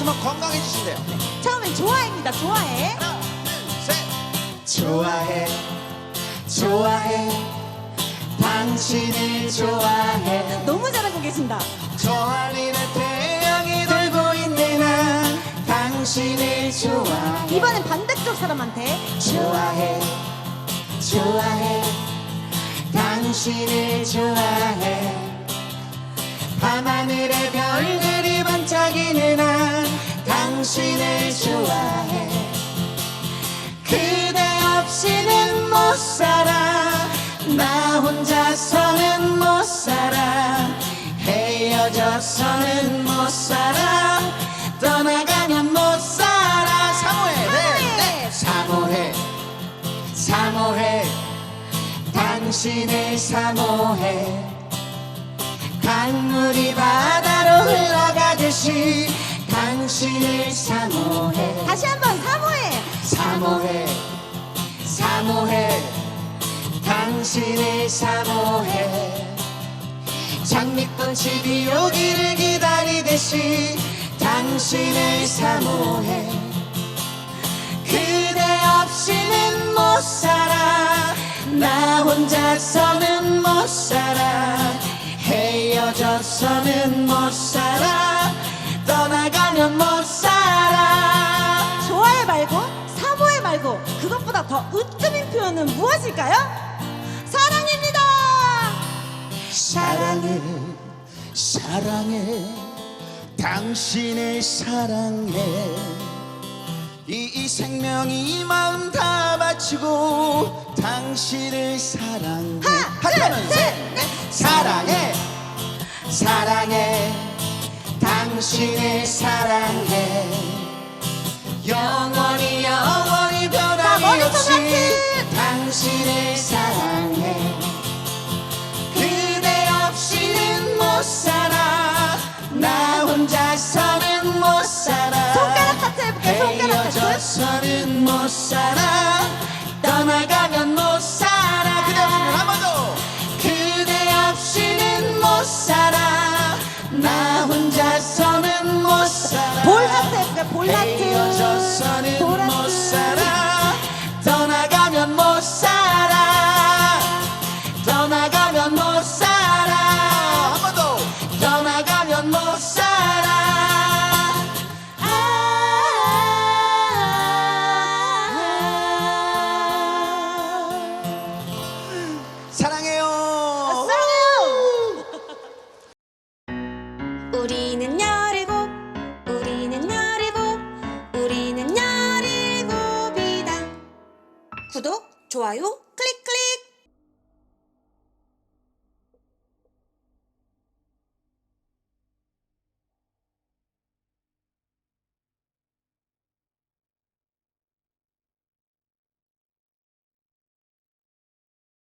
하시면 건강해지신대요. 처음엔 좋아해입니다. 좋아해. 하나, 둘, 셋. 좋아해, 좋아해, 당신을 좋아해. 너무 잘하고 계신다. 저 하늘에 태양이 돌고 있는 한 당신을 좋아해. 이번엔 반대쪽 사람한테. 좋아해, 좋아해, 당신을 좋아해. 밤하늘에 별들이 반짝이는 한 당신을 좋아해. 그대 없이는 못 살아. 나 혼자서는 못 살아. 헤어져서는 못 살아. 떠나가면 못 살아. 사모해, 네, 사모해, 사모해, 당신을 사모해. 강물이 바다로 흘러가듯이 당신을 사모해. 다시 한번 사모해. 사모해, 사모해, 당신을 사모해. 장미꽃이 비 오기를 기다리듯이 당신을 사모해. 그대 없이는 못 살아. 나 혼자서는 못 살아. 헤어져서는 못 살아. 떠나가면 못 살아. 좋아해 말고 사모해 말고 그것보다 더 으뜸인 표현은 무엇일까요? 사랑입니다. 사랑해, 사랑해, 당신을 사랑해. 이 생명이 마음 다 바치고 당신을 사랑해. 하나, 둘, 셋, 넷. 사랑해, 사랑해, 당신을 사랑해. 영원히 영원히 변함이 머리손 없이 하트. 당신을 사랑해. 그대 없이는 못 살아. 나 혼자서는 못 살아. 손가락 하트 해볼게. 손가락 하트. 헤어져서는 못 살아. 떠나가면 못 살아. 그대 없이는 한 번 더. 그대 없이는 못 살아. 나 혼자서는 못 살아. 볼 하트 해볼게. 볼 하트. 헤어져서는 볼 못 하트. 살아. 떠나가면 못 살아. 떠나가면 못 살아. 한 번 더. 떠나가면 못 살아. 사랑해요. 사랑해요. 우리는 17, 우리는 17, 우리는 17이다. 구독, 좋아요, 클릭!